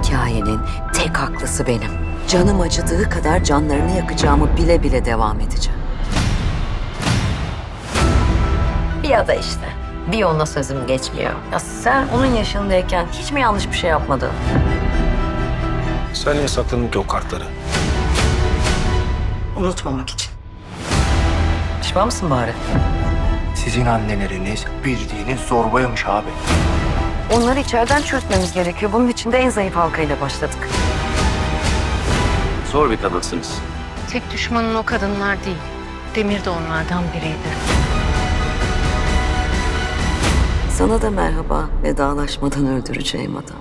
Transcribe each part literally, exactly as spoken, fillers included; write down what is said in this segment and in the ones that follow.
hikayenin tek haklısı benim. Canım acıdığı kadar canlarını yakacağımı bile bile devam edeceğim. Bir ada işte. Bir ona sözüm geçmiyor. Ya sen onun yaşındayken hiç mi yanlış bir şey yapmadın? Sen niye sakladın ki o kartları? Unutmamak için. Pişman mısın bari? Sizin anneleriniz bildiğiniz zorbaymış abi. Onları içeriden çürütmemiz gerekiyor. Bunun için de en zayıf halkayla başladık. Zor bir kadınsınız. Tek düşmanın o kadınlar değil. Demir de onlardan biriydi. Sana da merhaba, vedalaşmadan öldüreceğim adam.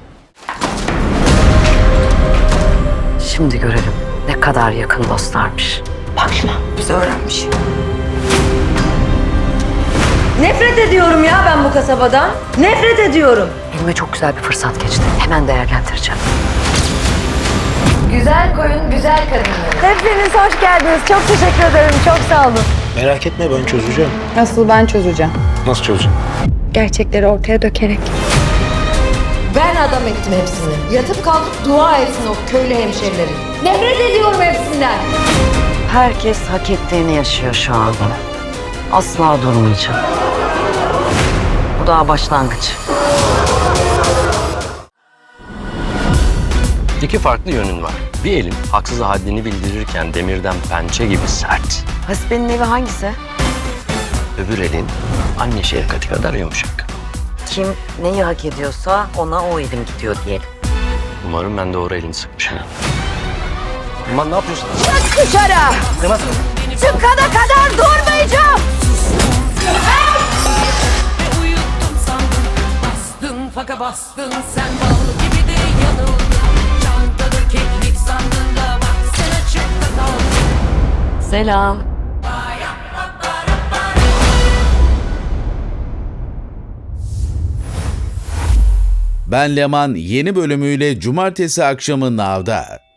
Şimdi görelim ne kadar yakın dostlarmış. Bak şuna, bizi öğrenmiş. Nefret ediyorum ya ben bu kasabadan. Nefret ediyorum. Elime çok güzel bir fırsat geçti. Hemen değerlendireceğim. Güzel koyun, güzel kadınlar. Hepiniz hoş geldiniz. Çok teşekkür ederim. Çok sağ olun. Merak etme, ben çözeceğim. Asıl ben çözeceğim. Nasıl çözeceğim? Gerçekleri ortaya dökerek. Ben adam ettim hepsini. Yatıp kalkıp dua etsin o köylü hemşerilerin. Nefret ediyorum hepsinden. Herkes hak ettiğini yaşıyor şu anda. Asla durmayacağım. Bu daha başlangıç. İki farklı yönün var. Bir elin haksız haddini bildirirken demirden pençe gibi sert. Hasibe'nin evi hangisi? Öbür elin anne şefkati kadar yumuşak. Kim neyi hak ediyorsa ona o elim gidiyor diyelim. Umarım ben doğru elini sıkmışım. Aman ne yapıyorsun? Çık dışarı. Çıkana kadar durmayacağım. Uyuttum sandım, bastın faka bastın, sen bal gibi de yanıldın. Çantada keklik sandın da baksana çıktı kaldın. Selam. Ben Leman yeni bölümüyle cumartesi akşamı Nav'da.